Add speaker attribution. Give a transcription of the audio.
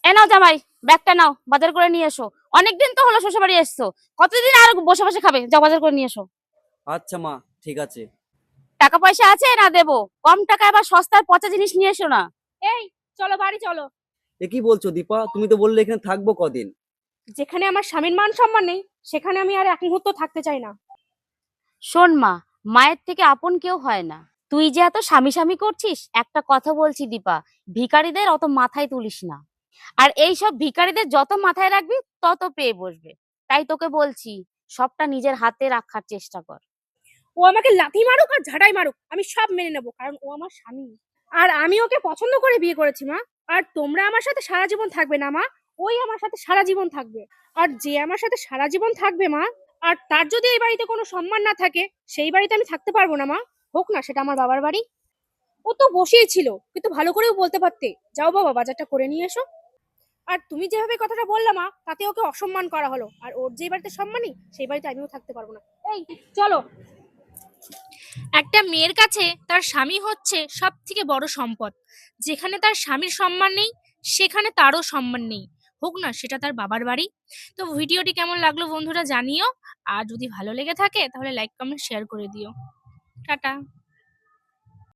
Speaker 1: এ নাও জামাই, ব্যাগটা নাও, বাজার করে নিয়ে এসো। অনেকদিন তো হলো শ্বশুর বাড়ি এসছো, কতদিন আর বসে বসে খাবে? যাও বাজার করে নিয়ে এসো।
Speaker 2: আচ্ছা মা, ঠিক আছে।
Speaker 1: টাকা পয়সা আছে না দেবো? কম টাকায় আবার সস্তার পচা জিনিস নিয়ে এসো না। এই, চলো বাড়ি চলো।
Speaker 2: এ কি বলছো দীপা? তুমি তো বললে এখানে থাকবো কদিন।
Speaker 3: যেখানে আমার স্বামীর মান সম্মান নেই, সেখানে আমি আর এক মুহূর্ত থাকতে চাই না।
Speaker 1: শোন মা, মায়ের থেকে আপন কেউ হয় না। তুই যে এত স্বামী স্বামী করছিস, একটা কথা বলছি দীপা, ভিখারিদের অত মাথায় তুলিস না। আর এই সব ভিখারিদের যত মাথায় রাখবি, তত পেয়ে বসবে। তাই তোকে বলছি, সবটা নিজের হাতে রাখার চেষ্টা কর।
Speaker 3: ও আমাকে লাথি মারুক আর ঝাঁটাই মারুক, আমি সব মেনে নেবো, কারণ ও আমার স্বামী। আর আমি ওকে পছন্দ করে বিয়ে করেছি মা। আর তোমরা আমার সাথে সারা জীবন থাকবে না মা, ওই আমার সাথে সারা জীবন থাকবে। আর যে আমার সাথে সারা জীবন থাকবে মা, আর তার যদি এই বাড়িতে কোনো সম্মান না থাকে, সেই বাড়িতে আমি থাকতে পারবো না মা। হোক না সেটা আমার বাবার বাড়ি। ও তো বসেই ছিল, কিন্তু ভালো করেও বলতে পারতে, যাও বাবা বাজারটা করে নিয়ে এসো। আর তুমি যেভাবে কথাটা বললা মা, তাতে ওকে অসম্মান করা হলো। আর ওর যে বাড়িতে সম্মানই, সেই বাড়িতে আমিও থাকতে পারবো না। এই চলো। একটা মেয়ের কাছে তার স্বামী হচ্ছে সব থেকে বড় সম্পদ। যেখানে তার স্বামীর সম্মান নেই, সেখানে তারও সম্মান নেই, হোক না সেটা তার বাবার বাড়ি। তো ভিডিওটি কেমন লাগলো বন্ধুরা জানিও। আর যদি ভালো লেগে থাকে তাহলে লাইক কমেন্ট শেয়ার করে দিও। টাটা।